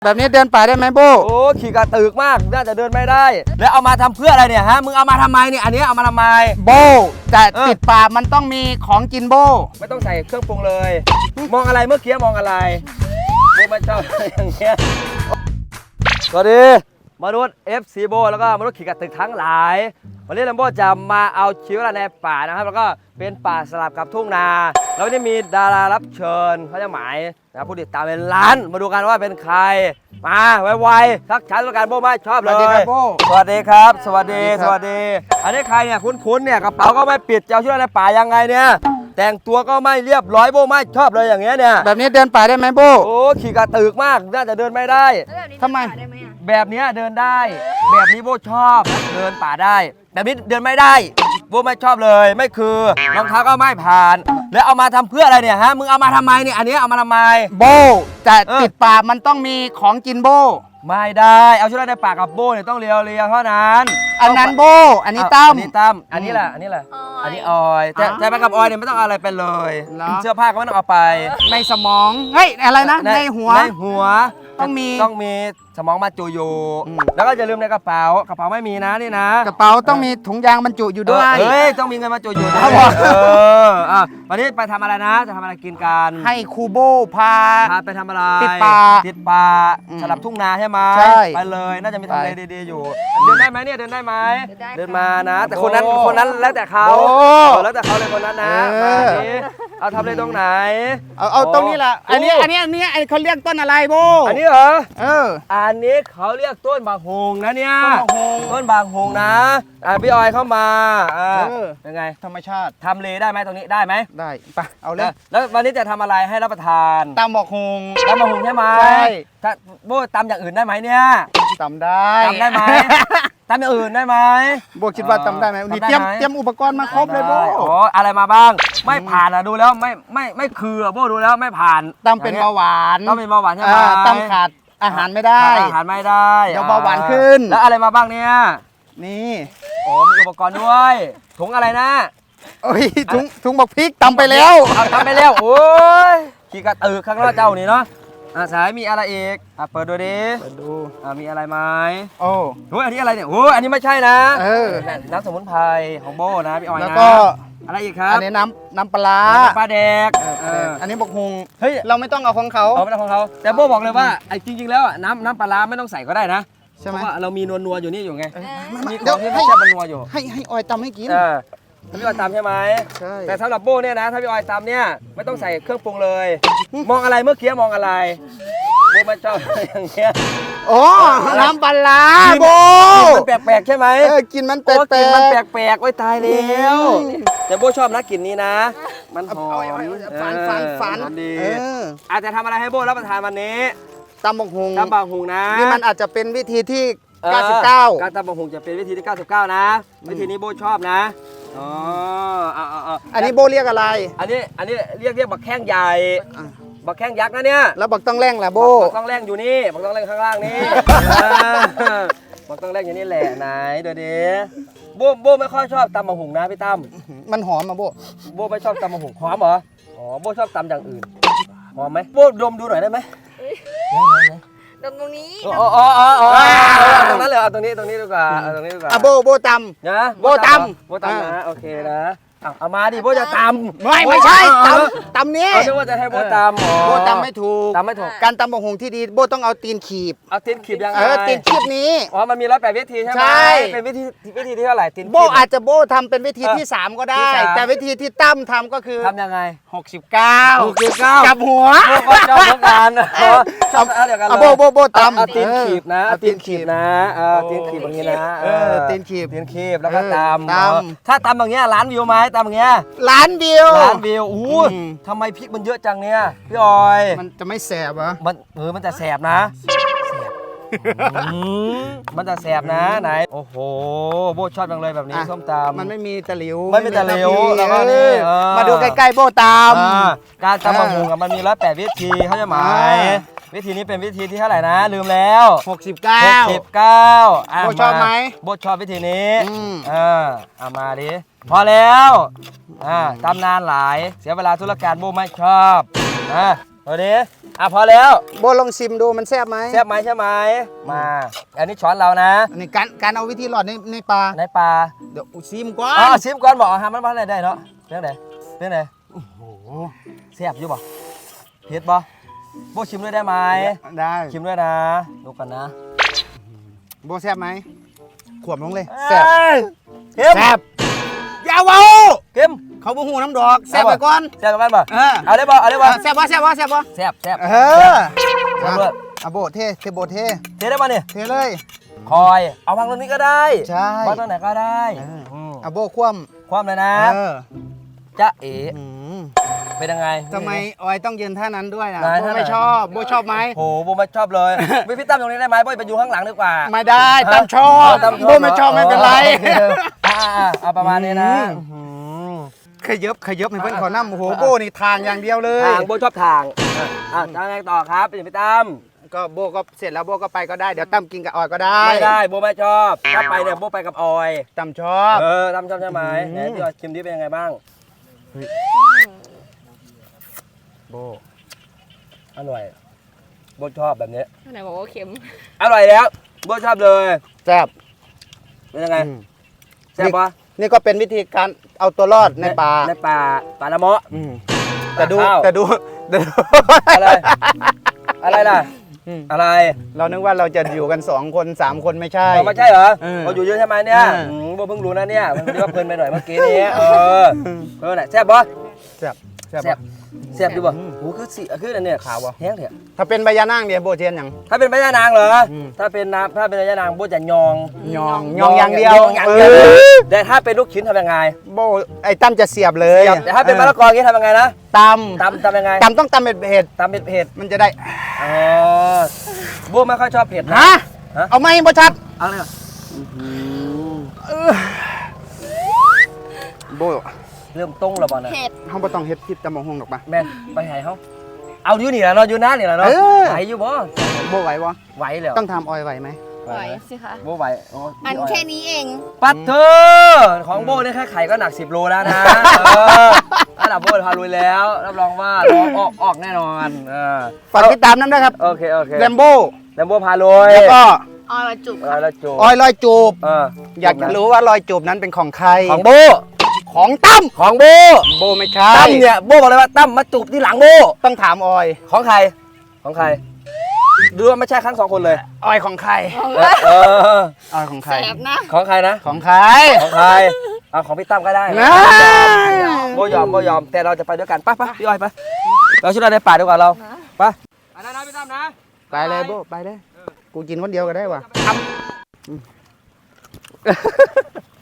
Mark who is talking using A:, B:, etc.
A: แบบนี้เดินป่าได้ไหมโบ
B: โอ้ขี่กระตึกมากน่าจะเดินไม่ได้แล้วเอามาทำเพื่ออะไรเนี่ยฮะมึงเอามาทำไมเนี่ยอันนี้เอามาทำไม
A: โบแต่ติดป่ามันต้องมีของกินโบ
B: ไม่ต้องใส่เครื่องปรุงเลย มองอะไรเมื่อกี้มองอะไรโบไม่ชอบอย่างเงี้ยสวัสดีมนุษย์ FC โบแล้วก็มนุษย์ขี่กระตึกทั้งหลายวันนี้ลัมโบจะมาเอาชีวิตในป่านะครับแล้วก็เป็นป่าสลับกับทุ่งนาแล้ววันนี้มีดารารับเชิญเขาจะหมายนะผู้ติดตามเป็นล้านมาดูกันว่าเป็นใครมาไวๆทักทายแล้วกันโบไม่ชอบเลย
A: สวัสดีครับโบ
B: สวัสดีครับสวัสดีสวัสดีอันนี้ใครเนี่ยคุ้นๆเนี่ยกระเป๋าก็ไม่ปิดจะเอาชีวิตในป่ายังไงเนี่ยแต่งตัวก็ไม่เรียบร้อยโบไม่ชอบเลยอย่างเงี้ยเนี่ย
A: แบบนี้เดินป่าได้ไหมโบ
B: โอ้ขี่กระตึกมากน่าจะเดินไม่ได้
A: ทำไม
B: แบบนี้เดินได้ แบบนี้โบชอบเดินป่าได้แบบนี้เดินไม่ได้โบไม่ชอบเลยไม่คือรองเท้าก็ไม่ผ่านแล้วเอามาทำเพื่ออะไรเนี่ยฮะมึงเอามาทำไมเนี่ยอันนี้เอามาทำไม
A: โบแต่ติดป่ามันต้องมีของกินโบ
B: ไม่ได้เอาชีวิตในป่ากับโบเนี่ยต้องเรียวเท่านั้น
A: อันนั้นโบอันนี้ตั้ม
B: อันนี้ตั้มอันนี้แหละอันนี้แหละอันนี้ออยแต่ไปกับออยเนี่ยไม่ต้องเอาอะไรไปเลยเสื้อผ้าก็ไม่ต้องเอาไป
A: ในสมองเฮ้ยอะไรนะในหัวต้อง
B: มีสมองมาจูอยู่แล้วก็อย่าลืมในกระเป๋าไม่มีนะนี่นะ
A: กระเป๋าต้องมีถุงยางบรรจุอยู่ด้วย
B: เฮ้ยต้องมีเงินมาจูอยู่ด้วยวันนี้ไปทำอะไรนะจะทำอะไรกินกัน
A: ให้ครูโบพา
B: ไปทำอะไร
A: ติดป่า
B: สลับทุ่งนาใช่ไหมไปเลยน่าจะมีทำเลดีๆอยู่เดินได้ไหมเนี่ยเดินได้ไหมเดินมานะแต่คนนั้นแล้วแต่เขาแล้วแต่เขาเลยคนนั้นนะมาดิเอาทำเลยตรงไหน
A: เอาตรงนี้แหละอันนี้เขาเรียกต้นอะไรโบ
B: อันนี้เหรออันนี้เขาเรียกต้นบางฮงนะเนี่ยต้นบางฮงนะพี่ออยเข้ามายังไง
A: ธรรมชาติ
B: ทำเลได้ไหมตรงนี้ได้ไหม
A: ได้ไปเอาเลย
B: แล้ววันนี้จะทำอะไรให้รับประทาน
A: ตำบักฮง
B: ใช่ไหม
A: ใช่
B: ถ้าโบตำอย่างอื่นได้ไหมเนี่ย
A: ตำได้
B: ไหมตำอย่างอื่นได้ไหม
A: โบคิดว่าตำได้ไหมนี่เตรียมอุปกรณ์มาครบเลยโบ
B: อะไรมาบ้างไม่ผ่านดูแล้วไม่คือโบดูแล้วไม่ผ่าน
A: ตำเป็นเบาหวาน
B: ต้องเป็นเบาหวานใช่ไหม
A: ตำขาดอาหารไม่ได้เดี๋ยวเบาหวานขึ้น
B: แล้วอะไรมาบ้างเนี่ย
A: นี่
B: มีอุปกรณ์ด้วยถุงอะไรนะ
A: โอ้ยถุงบักพริกตำไปแล้ว
B: โอ้ยขี่กระตือข้างนอกเจ้านี่เนาะสายมีอะไรอีกเปิดดูดิ
A: เปิดดู
B: มีอะไรไหม
A: โอ้
B: อันนี้อะไรเนี่ยอันนี้ไม่ใช่นะน้ำสมุนไพรของโบนะพี่ออยนะ
A: แล้วก็
B: อะไรอีกครับ
A: อันนี้น้ำปลา
B: ปลาแดก
A: อันนี้บักฮงเฮ้ยเราไม่ต้องเอาของเขา
B: ไม่ต้องของเขาแต่โบบอกเลยว่าไอ้จริงๆแล้วน้ำปลาไม่ต้องใส่ก็ได้นะ
A: ใช่ไหม
B: เพราะว่าเรามีนัวอยู่นี่อยู่ไงมีของที่ไม่ใช่นัวอยู่
A: ให้ออยตำให้กิน
B: พี่ออยตำใช่ไหม
A: ใช่
B: แต่สำหรับโบเนี่ยนะถ้าพี่ออยตำเนี่ยไม่ต้องใส่เครื่องปรุงเลยมองอะไรเมื่อกี้มองอะไรโบไม่ชอบอย่างเงี้ย
A: น้ำปลาโบ
B: มันแปลกๆใช่ไหม
A: กินมันแปลก
B: มันแปลกๆไว้ตายแล้วแต่โบชอบนะกลิ่นนี้นะมันหอม
A: ฝัน
B: ดีอาจจะทำอะไรให้โบรับประทานวันนี้
A: ตำบักฮง
B: นะ
A: นี่มันอาจจะเป็นวิธีที่99
B: การตำบักฮงจะเป็นวิธีที่99นะวิธีนี้โบชอบนะ
A: อันนี้โบเรียกอะไร
B: อันนี้เรียกบักแข้งใหญ่บักแข้งยักษ์นะเนี่ย
A: แล้วบักต้องแรงแหละโบ
B: บักต้องแรงอยู่นี่บักต้องแรงข้างล่างนี่บักต้องแรงอยู่นี่แหละไหนเดี๋ยวดิโบไม่ค่อยชอบตำบักฮงนะพี่ตั้ม
A: มันหอมมาโบ
B: ไม่ชอบตำบักฮงหอมเหรอโบชอบตำอย่างอื่นหอมไหมโบดมดูหน่อยได้ไหม
C: ตรงนี้
B: ตรงนั้นเลยตรงนี้ดีกว่าตรงนี้ดีกว่า
A: โบตำ
B: นะ
A: โบต
B: ำนะโอเคนะเอามาดิโบจะตำ
A: ไม่ใช่ตำนี้
B: นึกว่าจะให้โบตำ
A: โบตำไม่ถูกการตำบักฮงที่ดีโบต้องเอาตีนขีบ
B: ยังไง
A: ตีนขีบนี้
B: มันมี108วิธีใช่ไหมเป็นวิธีที่เท่าไหร่ตีน
A: โบอาจจะโบทำเป็นวิธีที่3ก็ได้แต่วิธีที่ตั้มทำก็คือ
B: ทำยังไง
A: 69กับหัว
B: โบก็ชอบเหมือนกันชอบเดียวกันเลย
A: โบตำ
B: ตีนขีบนะตีนขีบนะตีนขีบอย่างนี้นะ
A: ตีนขีบ
B: แล้วก็ตำถ้าตำอย่างเงี้ยล้านวิวไหมตำอย่างเงี้ย
A: ล้านวิว
B: ทำไมพริกมันเยอะจังเนี่ยพี่ออย
A: มันจะไม่แสบเหรอ
B: มันจะแสบนะมันจะแสบนะไหนโอ้โหโบชอบจังเลยแบบนี้ส้มตำ
A: มันไม่มีตะหลิว
B: แล้วก็นี่
A: มาดูใกล้ๆโบตำ
B: การตำบักฮงมันมี108วิธีเขาจะหมายวิธีนี้เป็นวิธีที่เท่าไหร่นะลืมแล้ว
A: 69โบชอบไหม
B: โบชอบวิธีนี้เอามาดิพอแล้วตำนานหลายเสียเวลาธุรการโบไม่ชอบดูดิพอแล้ว
A: โบลองชิมดูมันแซ่บไหม
B: แซ่บไหมใช่ไหมมาอันนี้ช้อนเรานะ
A: อันนี้การเอาวิธีหลอดในปลา
B: ในปลา
A: เดี๋ยวชิมก่อ
B: อ๋อน ชิมก่อนบอกฮะมันอะไรได้เนาะเรื่องไหนเรื่องไหนโอ้โหแซ่บอยู่บ่เผ็ดบ่โบชิมด้วยได้ไหม
A: ได้
B: ชิมด้วยนะดูกันนะ
A: โบแซ่บไหมขวบลงเลย
B: แซ่
A: แซ่บบ
B: เค็ม
A: อย่าเว้า
B: เค็ม
A: เขาบ่หูน้ำดอกแซ่บไปก่อน
B: แซ่บกันบ่
A: เออ
B: เอาได้บ่เอาได้บ่
A: แซ่บบ่แซ่บบ่แซ่บบ่
B: แซ่บแซ่บ
A: เออ
B: แซ่บเลิศ
A: เอาโบเทโบเท
B: เทได้ป่ะเนี่ย
A: เทเลย
B: คอยเอาวางตรงนี้ก็ได้
A: ใช่
B: วางตรงไหนก็ได้
A: เอาโบคว่
B: ความเลยนะ
A: ำเออ
B: จ๊ะเอ๋
A: อืม
B: เป็นยังไง
A: ทำไมออยต้องยืนท่านั้นด้วยอ่ะ
B: ไหน
A: โบ
B: ท่าไหน
A: ไม่ชอบโบชอบไหม
B: โหโบไม่ชอบเลยพี่ตั้มตรงนี้ได้ไหมโบไปอยู่ข้างหลังดีกว่า
A: ไม่ได้ตามชอบ
B: ตาม
A: โบไม่ชอบไม่เป็นไร
B: เอาประมาณนี้นะ
A: ขยับให้เพื่อนขอน้ำโอ้โหโบนี่ทางอย่างเดียวเลย
B: ทางโบชอบทางจะไงต่อครับเป็นพี่ตั้ม
A: ก็โบก็เสร็จแล้วโบก็ไปก็ได้เดี๋ยวตั้มกินกับออยก็ได้
B: ไม่ได้โบไม่ชอบถ้าไปเนี่ยโบไปกับออย
A: ตั้มชอบ
B: ตั้มชอบใช่ไหมไหนพี่ออยชิมดิเป็นยังไงบ้าง
A: โบ
B: อร่อยโบชอบแบบนี้
C: ไหนบอกว่าเค็ม
B: อร่อยแล้วโบชอบเลย
A: แซ่บ
B: เป็นยังไงแซ่บปะ
A: นี่ก็เป็นวิธีการเอาตัวรอดในป่า
B: ในป่าป่าละเมาะ
A: แต่ดู
B: ข้าว
A: แต่ดู
B: อะไรอะไรล่ะอะไร
A: เรานึกว่าเราจะอยู่กัน2 คน 3 คนไม่ใช่
B: ไม่ใช่เหรอ
A: เออ
B: เราอยู่เยอะใช่ไหมเนี่ย
A: เออ
B: โบเพิ่งรู้นะเนี่ยมันเรียกว่าเพลินไปหน่อยเมื่อกี้นี้ไหนแซ่บปะ
A: แซ่บแซ่บ
B: แซ่บแซ่บดูป่ะหูคือสีคืออันเนี่ยขาววะแห้งเถอะ
A: ถ้าเป็นใบยานางเดียวโบเทียนอย่าง
B: ถ้าเป็นพญานางเหรอ
A: อืม
B: ถ้าเป็นพญานางโบจะยอง
A: ยองอย่างเดียว
B: อย่างเดียวแต่ถ้าเป็นลูกชิ้นทำยังไง
A: โบไอ้ตั้มจะเสียบเลย
B: แต่ถ้าเป็นมะละกออย่างนี้ทำยังไงนะ
A: ต
B: ตำยังไง
A: ำต้องตำเป็นเผ็ด
B: ตำเป็นเผ็ด
A: มันจะได้
B: อ๋อโบไม่ค่อยชอบเผ็ดนะ
A: ฮะ
B: ฮะ
A: เอาไหมโบชัด
B: เอาเลยเหรอ
A: โบ
B: เริ่มต้งแล้วบ่นะ
C: เผ็ด
A: เขาบ่ต้องเฮ็ดพิษตะมองหงดอกปะ
B: แม่นไปหายเขาเอาอยู่นี่แหละเนาะอยู่น้านี่แหละเนาะ
A: เออ
B: ไหวอยู่บ่
A: โบไหวบ่
B: ไหวแล้ว
A: ต้องทำออยไหวไหม
C: ไหวสิคะ
B: โบไหวโ
C: อันแค่นี้เอง
B: ปัดเธอของโบเนี่ยแค่ไข่ก็หนัก10 โลแล้วนะระดับโบพาลุยแล้วรับรองว่าร้องออกแน่นอน
A: ฝากติดตามน้ำด้วยครับ
B: โอเค
A: แรมโบ้
B: แลมโบพาลุย
A: แล้วก็
C: อร่อยจุก
B: แล้วจู
A: ออยลอยจูบ
B: เออ
A: อยากจะรู้ว่ารอยจูบนั้นเป็นของใคร
B: ของโบ
A: ของตั้ม
B: ของโบ
A: โบไม่ใช่
B: ตั้มเนี่ยโบบอกเลยว่าตั้มมาจูบที่หลังโบ
A: ต้องถามออย
B: ของใครของใครดูว่าไม่ใช่ทั้ง2 คนเลย
A: ออยของใคร
B: เออ
A: ออยของใคร
C: แสบนะ
B: ของใครนะ
A: ของใคร
B: ของใครเอาของพี่ตั้มก็ได้
A: นะ
B: โบยอมแต่เราจะไปด้วยกันไปพี่อ้อยไปเราช่วยเราในป่าดีกว่าเราไปนะพี่ตั้มนะ
A: ไปเลยโบไปเลยกูกินคนเดียวก็ได้ว่ะ